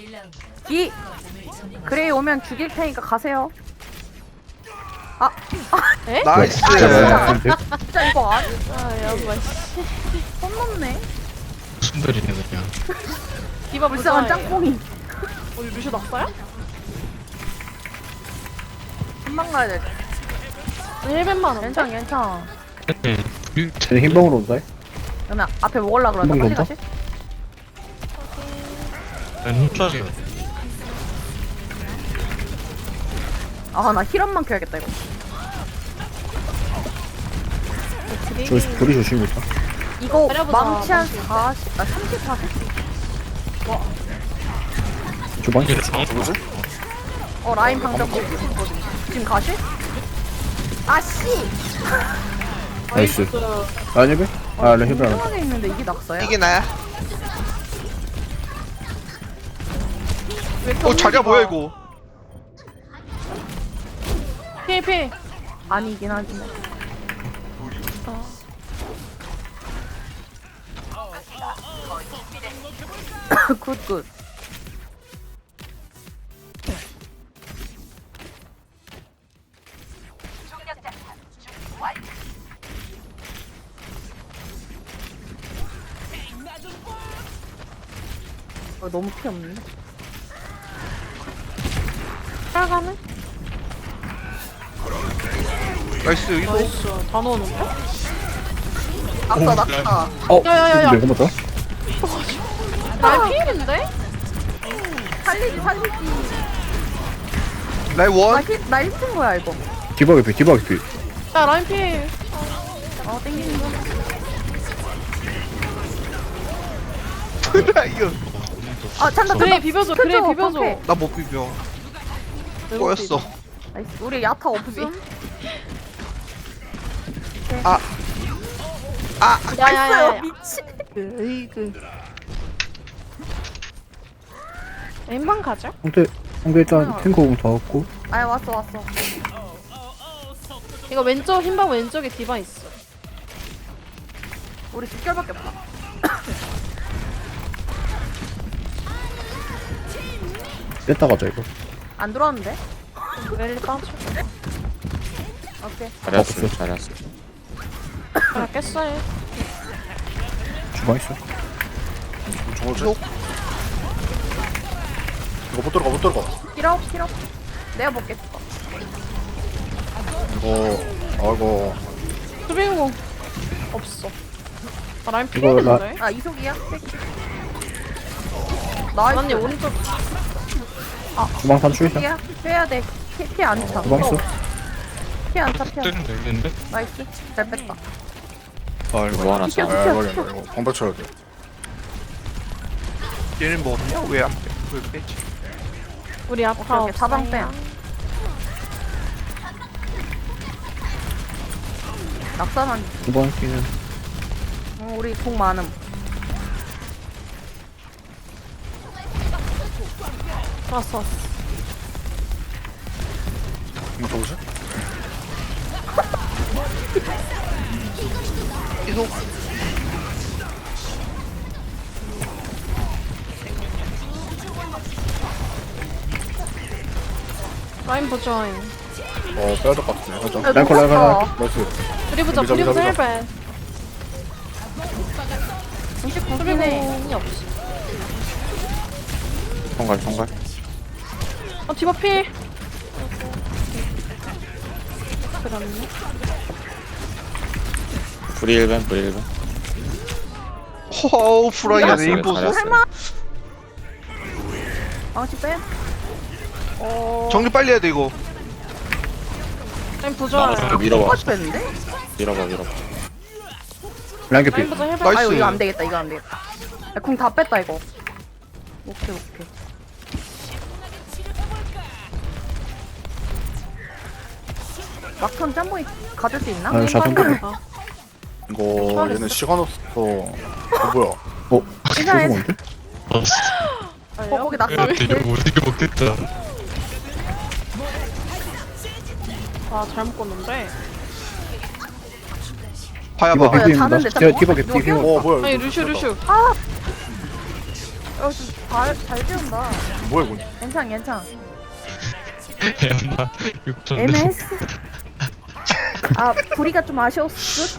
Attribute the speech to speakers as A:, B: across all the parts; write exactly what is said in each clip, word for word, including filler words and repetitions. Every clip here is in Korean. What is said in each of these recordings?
A: 이 그레이 오면 죽일 테니까 가세요. 아,
B: 에?
C: 나이스.
A: 진짜 이거 아니?
B: 아 야마 씨.
A: 손 넘네.
D: 순돌이네 그냥.
B: 디바
A: 불쌍한
B: 불쌍해.
A: 짱뽕이.
B: 어 루슈 낙사야?
A: 한방 가야 돼.
B: 힐벤만 원.
A: 괜찮아, 괜찮아.
D: 네, 불-
E: 쟤네 흰방으로 온다.
A: 그러면 앞에 먹으려 그러자.
E: 한방
A: 빨리
E: 넘어?
A: 가시.
D: 난 훔쳐줘.
A: 아, 나 힐업만 켜야겠다 이거.
E: 저기 불이 조심했다.
A: 이거
B: 때려보자,
A: 망치 한
B: 망치.
A: 사십, 아 삼십사 세?
E: 주방
D: 이게 정
C: 누구지?
A: 어 라인 방벽 지금 가시? 아씨!
E: 나이스. 아니 왜? 아 레 힐을 안
A: 이상하게 있는데 이게 낙서야?
C: 이게 나야.
A: 왜 이렇게
C: 어 자기야
A: 없는
C: 뭐야
A: 거야?
C: 이거?
B: 피피.
A: 아니긴 하지 뭐. 굿굿. 어, 너무 피 없는데?
B: 따라가네.
C: 나이스 이거.
B: 나이스. 다 넣어놓을게.
A: 낙서 낙서.
E: 어.
B: 야야야야.
E: 근데 한번 더.
B: 날 피일인데?
A: 살리지 살리지.
C: 나이
A: 나
C: 원.
A: 힐, 나 힐튼 거야 이거.
E: 디바게 피 디바게 피.
B: 야 라인 피일.
A: 어 땡기는 거.
C: 나 이거.
A: 아 찬다
B: 그래
A: 찬다.
B: 비벼줘. 그래
A: 켜줘,
B: 비벼줘.
A: 방패.
C: 나 못 비벼. 꼬였어.
A: 나이스. 우리 야타 없음.
C: 아. 아.
B: 야야야야.
A: 미친.
B: 으이그. 엠방 가자.
E: 상대 상대 일단 탱커 공다 왔고.
A: 아 왔어 왔어.
B: 이거 왼쪽 흰방 왼쪽에 디바 있어.
A: 우리 직결밖에 없다.
E: 뺐다 가자 이거.
A: 안 들어왔는데?
B: 랠리 빠져.
A: 오케이.
E: 없어.
D: 잘했어.
B: 그래 깼어요.
E: 주방 있어.
C: 저거지?
F: 이거 못 들어가 못 들어가
A: 힐업 힐업. 내가 먹겠어.
F: 이거 아이고
B: 수빈공 없어. 아 라인
E: 이거 나-
B: 피일인데?
A: 아 이속이야? 나이스.
B: 언니 오른쪽.
E: 주방 단추이다.
A: 이속이야? 빼야 돼. 피, 피안 차.
E: 주방 있어.
A: 피안 차, 피안 차.
D: 뜨는 되겠는데?
A: 나이스. 잘 뺐다.
F: 아 이거
D: 뭐 하나
A: 비켜,
D: 짜.
F: 아
A: 비켜,
F: 이거
A: 비켜.
F: 이거 방백 쳐야 돼
C: 얘는 뭐 없냐? 왜 안 빼? 왜 빼지?
B: 우리 아파
A: 오케이, 오케이.
B: 없어요.
A: 사방 빼. 낙사만.
E: 주방 끼는.
A: 어, 우리 공 많음.
B: 왔어 왔어.
F: 이거 누구지?
C: 이속.
B: 라인 보자.
F: 어 빼야 될 것 같은데 살짝
A: 야,
E: 랭콜, 랭콜,
A: 녹았어.
F: 나이스
B: 우리 보자.
F: 비벼,
B: 우리 보자
F: 비벼,
B: 힐벤.
A: 구십구 네
B: 수빈공이 없어.
D: 총갈 총갈.
B: 어 디바 필. 그렇네.
D: 불이 일반 불이 일반.
C: 호우 프라이야
D: 잘했어요,
C: 네임보스.
D: 잘했어요.
A: 설마? 망치 빼? 어...
C: 정리 빨리 해야 돼 이거.
B: 라인 보자.
D: 나가서 밀어봐.
A: 똑같이 뺐는데?
D: 밀어봐 밀어봐.
E: 랭게
B: 라인
E: 피.
B: 보자 힐벤.
C: 나이스.
A: 아이고 이거 안 되겠다 이거 안 되겠다. 공 다 뺐다 이거. 오케이 오케이. 막턴 짬뽕이 가질 수 있나?
E: 아, 자동
B: 힐벤.
E: 피.
B: 아,
F: 이거 얘는 시간 없어 어 뭐야
E: 어.
A: 괜찮아.
E: 너무 뭔데?
A: 어 거기 낙사.
D: 이거 못 이겨 먹겠다.
B: 아 잘못 껐는데.
C: 봐야
E: 디바
C: 봐.
A: 야,
E: 비비입니다.
A: 자는데
E: 디바
A: 짬뽕?
E: 디바 개
A: 누가
E: 피.
F: 어 뭐야
B: 아니
F: 이거
B: 루슈 루슈.
A: 아! 잘 지운다.
F: 뭐야 이건?
A: 괜찮 괜찮.
D: 애마 육천.
A: 애매했어. 아 부리가 좀 아쉬웠어.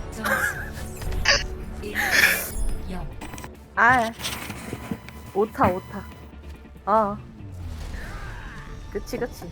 A: 아 오타 오타. 어. 그치 그치.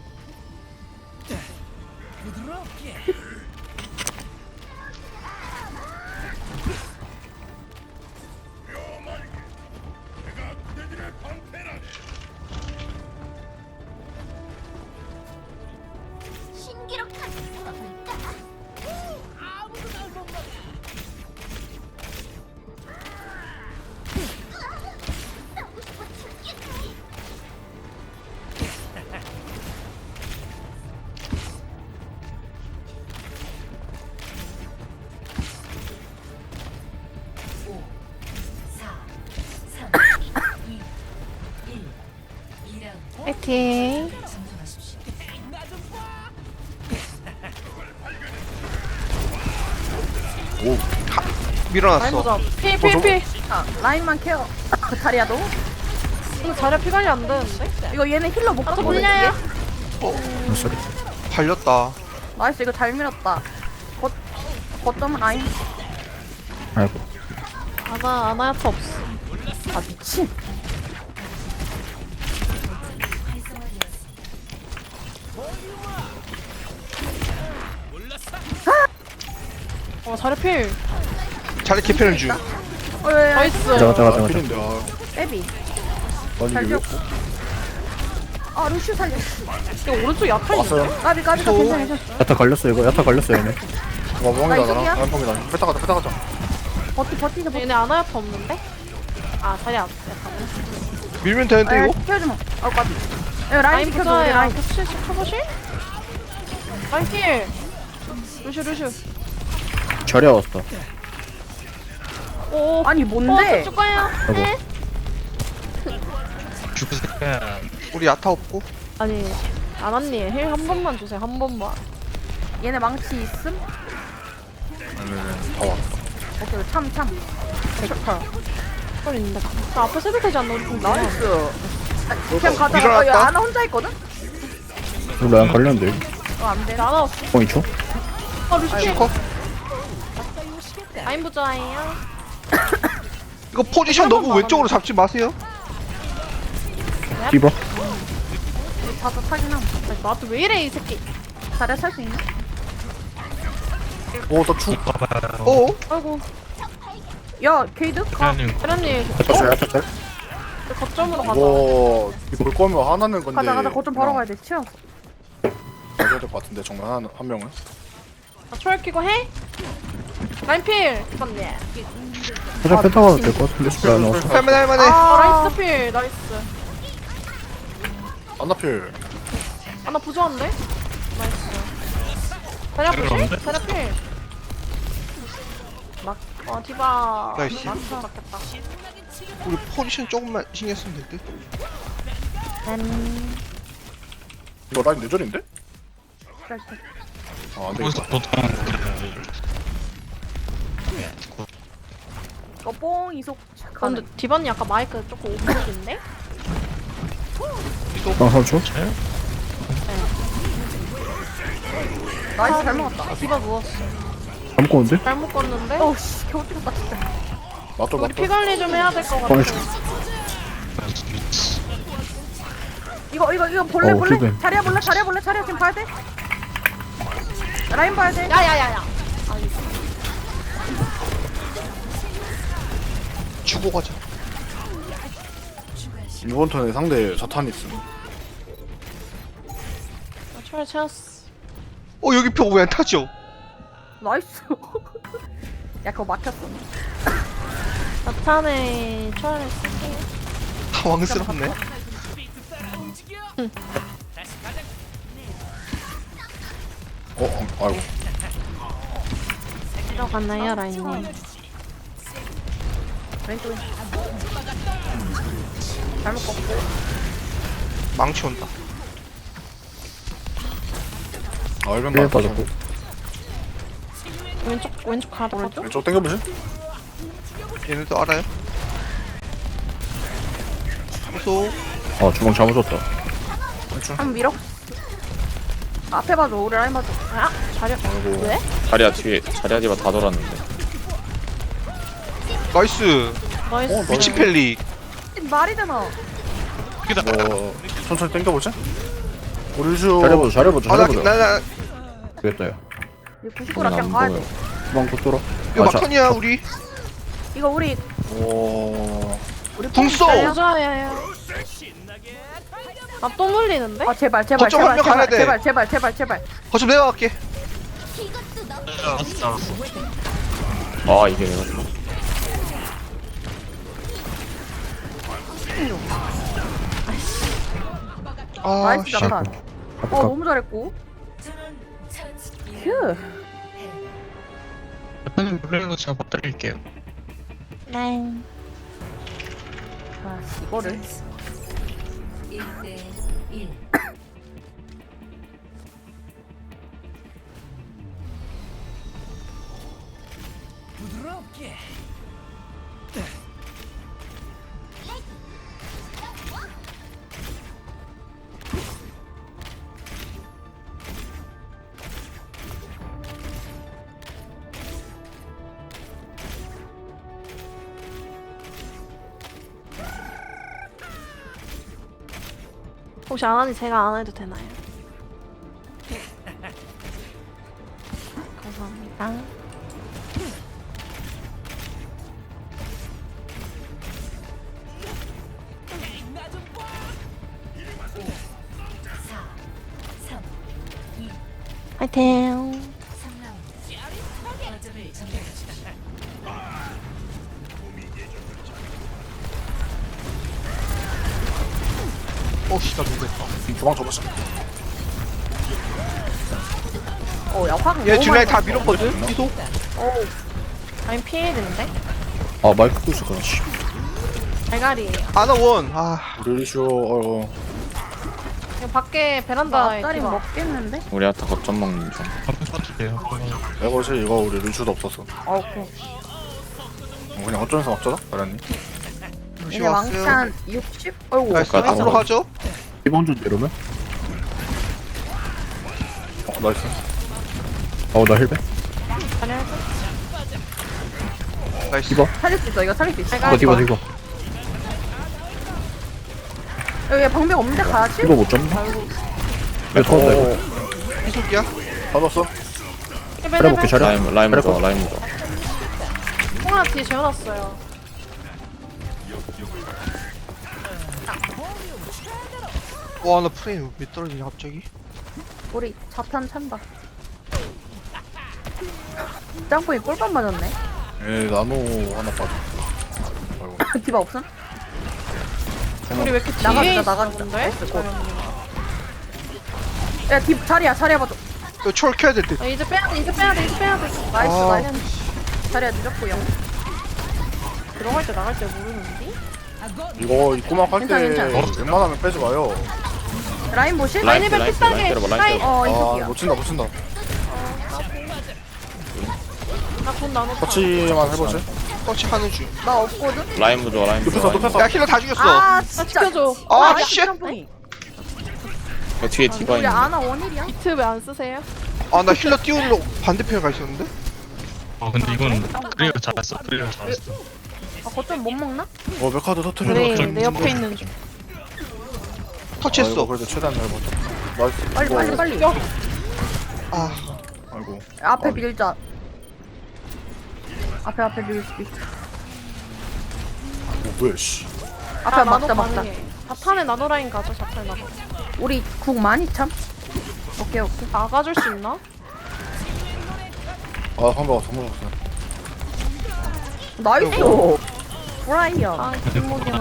B: 파이팅.
F: 오,
B: 라인
C: 밀어놨어.
B: 보자. 피,
F: 어,
B: 피,
F: 저거-
B: 피.
A: 아, 라인만 케어. 다리야 너?
B: 이거 자리야 피 관리 안 되는데?
A: 이거 얘네 힐러 못
B: 또
A: 갖고
B: 물려요.
E: 어, 쏘리.
C: 팔렸다.
A: 나이스 이거 잘 밀었다. 거 거점 라인.
E: 아이고.
B: 아나, 아나야타 없어.
A: 아 미친.
B: 어, 자리 필.
C: 자리 개편을 중.
A: 어, 왜, 왜,
B: 나이스.
E: 가자 가자 가자 가자.
F: 필인데 아,
A: 빼비.
F: 아니
A: 잘
F: 이게 왜?
A: 지웠고. 아 루슈 살려.
B: 이거 오른쪽 약한 있는데?
F: 왔어요?
A: 까비 까비 까 괜찮아 괜찮아.
E: 야타 걸렸어 이거. 야타 걸렸어 얘네.
F: 와 멍이다
A: 나
F: 나랑
A: 이쪽이야?
F: 나랑 멍이다. 뺐다 가자 뺐다 가자.
A: 버티 버티자 버티.
B: 얘네 아나야타 없는데? 아, 자리 안 돼.
C: 밀면 되는데
A: 아
C: 이거?
A: 키워주마. 아 까비. 야, 라인
B: 라인
A: 지켜줘 우리
B: 보자야.
A: 라인.
B: 혹시 쳐보실? 라인 필. 루슈, 루슈.
E: 절야 왔어.
B: 오.
A: 아니 뭔데?
B: 어, 쭉 가요.
E: 아이고.
B: 네.
D: 죽으니까
C: 우리 야타 없고.
B: 아니, 아나님 힐 한 번만 주세요. 한 번만.
A: 얘네 망치 있음?
F: 네네네 다 왔다.
A: 오케이 참 참. 좋다.
B: 헐 있는데. 나 앞에 세도 되지 않나? 우리 공 나와.
A: 나이스. 아, 그냥 가자.
C: 일어났다.
A: 어, 야, 아나 혼자 있거든?
E: 이거 라인 걸렸는데.
A: 어안 돼.
B: 아나 없어.
E: 어 이 초?
B: 아, 루슈 필.
C: 슈커?
B: 라인 부자예요.
C: 이거 포지션 너무 왼쪽으로 잡지 마세요.
E: 디버.
A: 자주 타긴 함.
B: 아니, 나한테 왜 이래 이 새끼.
A: 자리야 살 수 있나?
F: 오나 죽.
C: 어?
B: 아이고.
A: 야 게이드? 가.
D: 그냥
B: 대련님
E: 야타 짤 야타 짤.
B: 거점으로 가자.
F: 와 볼 거면 하나는 건데.
A: 가자 가자 거점 바로 가야 돼. 치워.
F: 가야 될것 같은데 정말 하나 한 명은.
B: 아, 초월 끼고 해? 라인 필. 맞네.
E: 살짝 뺐다 가도 될 것 같은데. 라인 나왔어.
C: 할만해 할만해.
B: 아, 라인 스필 나이스.
F: 안나필.
B: 아, 나 부조한데? 나이스. 자리 아프시? 자리 필. 막. 어, 디바.
C: 나이스.
B: 막 잡겠다.
C: 우리 포지션 조금만 신경 쓰면 될 듯.
B: 음.
F: 이거 라인 뇌절인데?
A: 그래, 그래.
F: 아
D: 거기서
F: 안되겠다.
D: 보통
A: 이거 뽕 이속
B: 아, 근데 디바님 아까 마이크 조금 오버인데?
E: 방 삼 초?
A: 나이스 잘 먹었다.
B: 아, 디바 누웠어.
E: 안 먹었는데?
B: 잘 묶었는데?
A: 어우씨 겨우 찍었다 진짜.
F: 맞죠
B: 우리
F: 맞죠.
B: 피 관리 좀 해야 될 것 같아.
E: 방 초.
A: 이거 이거 이거 볼래
E: 어,
A: 볼래?
E: 힐벤.
A: 자리야 볼래? 자리야 볼래? 자리야 지금 봐야 돼? 라인 봐야 돼.
B: 야야야야.
C: 주고 가자.
F: 이번 턴에 상대 자탄 있음.
B: 아, 초월 채웠어.
C: 어 여기 벽 왜 안 타죠?
A: 나이스. 야 그거 막혔어.
B: 나탄에 초월을 쓸게요.
C: 당황스럽네.
F: 어, 어 아이고.
B: 들어갔나요, 라인님?
A: 왼쪽에. 잘 먹고.
C: 망치 온다.
F: 아 일변
E: 힐
F: 맞았어.
E: 빠졌고.
B: 왼쪽 왼쪽 가도 가죠?
F: 왼쪽 당겨보실?
C: 얘네도 알아요? 이소.
E: 어 주먹 잘못 줬다.
A: 한번 밀어. 앞에 봐줘. 우리 라인 봐줘.
B: 아 자력.
F: 아이고.
B: 왜?
D: 자리야 뒤에 자리야 뒤가 다 돌았는데.
C: 나이스.
B: 나이스.
C: 미친 펠리.
A: 말이 되나?
F: 뭐 천천히 당겨보자. 우리 루시오.
E: 잘해보자 잘해보자
C: 아나
E: 잘해보자.
C: 나 나
E: 되겠다 야.
A: 이거 구십구라 그냥 가야 돼.
E: 주먹 못 돌아.
C: 이거
E: 아, 자,
C: 막판이야 우리.
A: 이거 우리
F: 오.
A: 우리
C: 궁 써!
B: 보자야야. 아또 물리는데?
A: 아 제발 제발
C: 거점 한
A: 제발
C: 명 가야
A: 제발
C: 돼.
A: 제발 제발 제발 제발.
C: 거점 내가 갈게.
D: 아 이게 내가
C: 아
A: 나이스
C: 씨.
A: 잠깐. 어
E: 아까
A: 너무 잘했고. 휴.
G: 저는 물리는 거 제가 못 드릴게요.
B: 네.
A: 아 이거를.
B: 혹시 안 하니 제가 안 해도 되나요? 감사합니다. 화이팅!
C: 어씨 나 놀랬다.
F: 도망 줘보자.
A: 어야 화가.
C: 얘 뒷라인 다 밀었거든. 이소.
B: 아니 피해야 되는데?
E: 아 마이크 끄있을 거야. 씨.
B: 대가리예요.
C: 아나 원. 아
F: 우리 루시오. 어.
B: 이거 밖에
A: 나
B: 베란다에
A: 앞다리
B: 디바.
A: 먹겠는데?
D: 우리 아타 거점 먹는 중.
G: 한번 써주세요.
F: 이것이 이거 우리 루시오도 없었어.
A: 아 오케이.
F: 어, 그냥 어쩌면서 막자다. 알았니?
C: 루시
A: 이제
C: 왔어요.
A: 왕창 육십. 어이구.
C: 나이스.
D: 가자.
C: 앞으로 가죠.
E: 이번 주 이러면?
F: 어 나이스.
E: 어나 힐배.
B: 잘해야죠.
C: 나이스.
E: 디바.
A: 살릴 수 있어. 이거 살릴 수 있어.
E: 디바 디바 디바.
A: 여기 방벽 없는데 가야지.
E: 디바 못 잡나? 내 터졌다 이거.
C: 이속이야.
F: 받았어.
E: 잘해볼게 잘해.
D: 라임 라임 좋아 라임 좋아.
B: 통화 뒤에 재워놨어요.
C: 와나 프레임 왜 떨어지냐 갑자기.
A: 우리 자탄 찬다. 짱뽕이 꿀밤 맞았네.
F: 에 나노 하나 빠져. 아이고.
A: 디바 없음?
B: 우리 왜 이렇게
A: 나가자,
B: 뒤에
A: 나가자.
B: 있었는데?
A: 나이스, 곧. 야, 디 자리야, 자리야 봐줘.
C: 이거 철 켜야 될 듯.
B: 아, 이제 빼야 돼, 이제 빼야 돼, 이제 빼야 돼.
A: 나이스,
C: 아.
A: 나이스. 자리야 늦었고요.
B: 들어갈 때 나갈 때 모르는데?
F: 이거 입구막 할 때
A: 괜찮아, 괜찮아.
F: 웬만하면 빼지 마요.
A: 라인 보실?
D: 라인
B: 라인이면
D: 라인
B: 비싸게.
D: 라인 때려봐 라인
B: 라인.
D: 때려봐.
A: 어,
F: 아
A: 이속이야.
F: 못 친다 못 친다.
B: 나돈 나눴다.
F: 터치만 해보지.
C: 터치 하는 중.
A: 나 없거든?
D: 라임 부좋아 라임
F: 눕혔어
D: 부좋아.
F: 눕혔어.
C: 야 힐러 다 죽였어.
A: 아,
B: 나
A: 진짜.
B: 지켜줘.
C: 아,
A: 아,
C: 씨.
A: 짱뽕이.
D: 그 뒤에 디바
A: 우리
D: 있는.
A: 아나 원일이야?
B: 비트 왜 안 쓰세요?
C: 아 나 힐러 띄우려고 반대편에 가 있었는데.
G: 어 근데 이건 프리가 잘했어. 프리가 잘했어.
A: 아, 거점 못 먹나?
F: 어 메카드 터트려.
B: 우리
G: 좀-
B: 내 옆에 있는 중.
C: 터치했어.
F: 그래도 최대한 잘 버텨. 나이스.
A: 빨리,
F: 이거-
A: 빨리, 빨리.
C: 아
F: 아이고.
A: 앞에
F: 아니.
A: 밀자. 앞에, 앞에 밀 수도 있어.
F: 어 뭐야 씨.
A: 앞에
B: 아,
A: 막자,
B: 나노
A: 막자.
B: 가능해. 자탄에 나노 라인 가죠, 자탄에 나노.
A: 우리 국 많이 참? 오케이, 오케이.
B: 나가줄 수 있나?
F: 아 상대가 정말 없어.
A: 나이스! 브라이언.
B: 아, 뒷목이야.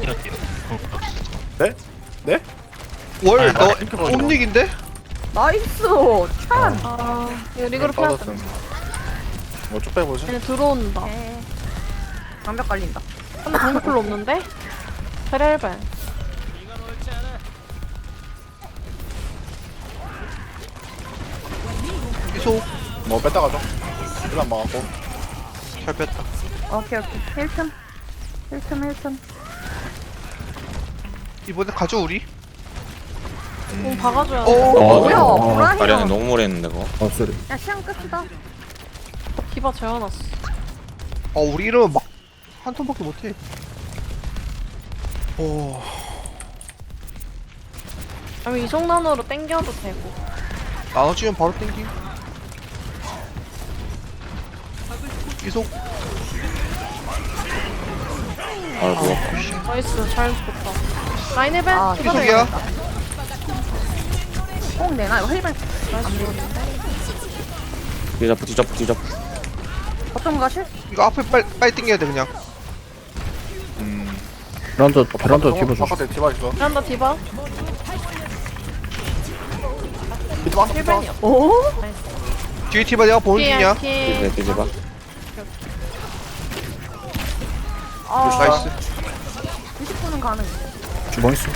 F: 네? 네?
C: 월
G: 아,
C: 너
F: 이렇게 버려.
C: 옴닉인데?
A: 나이스! 찬!
B: 아, 이거 리그로 패야 돼.
F: 빠졌음. 뭐쭉 빼보지.
B: 얘네 들어온다.
A: 에 방벽 깔린다.
B: 근데 방금 별로 없는데? 페렐벤.
C: 이소
F: 뭐 뺐다 가죠. 일단 막았고.
C: 잘 뺐다.
A: 오케이, 오케이. 힐 틈. 힐 틈, 힐 틈.
C: 이번에 가죠 우리.
B: 공 박아줘야
C: 오.
B: 돼.
D: 어,
A: 뭐야,
D: 어,
A: 뭐라냐.
D: 아리아는 너무 오래 했는데 그거.
E: 어 쏘리.
A: 야 시간 끝이다.
B: 디바 재워놨어.
C: 어 우리 이러면 막 한 턴밖에 못해. 오.
B: 아니면 이속난으로 땡겨도 되고.
C: 나눠주면 바로 땡기. 이속.
D: 아 누웠다.
B: 나이스, 잘 죽었다. 라인 힐벤?
A: 아,
B: 디바
C: 이속이야.
A: 꼭 내놔 이거 힐벤.
D: 뒤잡고 뒤잡고 뒤잡고.
A: 어떤 가실?
C: 이거 앞에 빨리 빨리 땡겨야 돼 그냥.
E: 베란다 베란다 디바 조심.
F: 바깥에 디바 있어.
B: 베란다 디바.
F: 디바 디바.
B: 힐벤이요.
A: 오?
C: 뒤에 티바 내가 보는 중이야.
D: 뒤에
B: 피.
D: 뒤집어.
A: 아
C: 나이스.
A: 이십 분은 가능.
E: 주방 있어.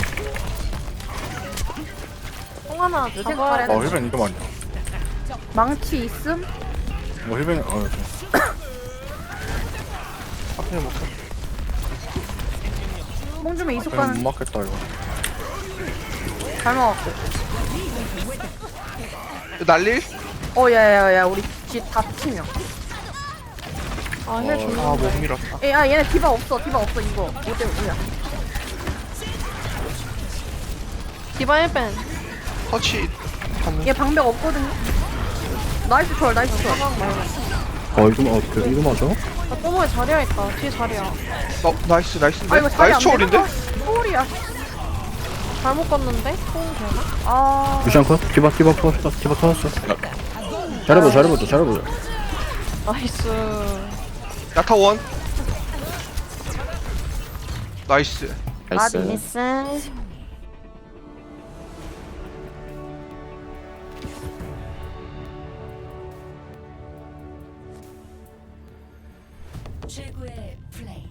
B: 공 하나
A: 요새
B: 잡아야
F: 어
B: 돼.
F: 힐벤 이거 많이.
A: 망치 있음?
F: 뭐 힐벤 어.
C: 앞에 먹자.
A: 뽕주면 이속
F: 그냥
A: 가는
F: 못 맞겠다 이거.
A: 잘 먹었고.
C: 날릴?
A: 어 야야야 우리 집다 치명.
B: 아, 힐
C: 아 못
B: 줬는데.
C: 밀었다.
A: 야 얘네 디바 없어 디바 없어 이거. 오대 오야.
B: 디바 힐벤.
C: 터치. 하는.
A: 얘 방벽 없거든요. 나이스 초월 나이스 초월.
B: 사방 말고.
E: 어 이거 어 그래 이거 맞아?
B: 나 꼬모에 자리야 있다. 뒤에 자리야.
C: 어 나이스 나이스인데.
A: 아 이거 자리
C: 나이스
A: 안
C: 초월인데?
A: 되는 초월이야.
B: 잘못 껐는데? 공 되나?
A: 아
E: 루시안 컷. 디바 디바 터졌어. 디바 터졌어. 잘해보자 잘해보자 잘해보자.
B: 나이스.
C: 야타 원. 나이스.
D: 나이스.
B: 나이스.
H: 최고의 플레이.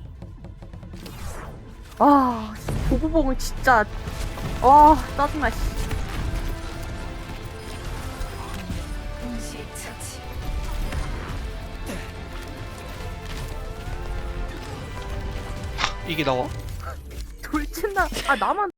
A: 아, 보보봉은 진짜 와 짜증나 씨.
H: 동시 처치.
C: 이게 나와.
A: 돌진다. 아 나만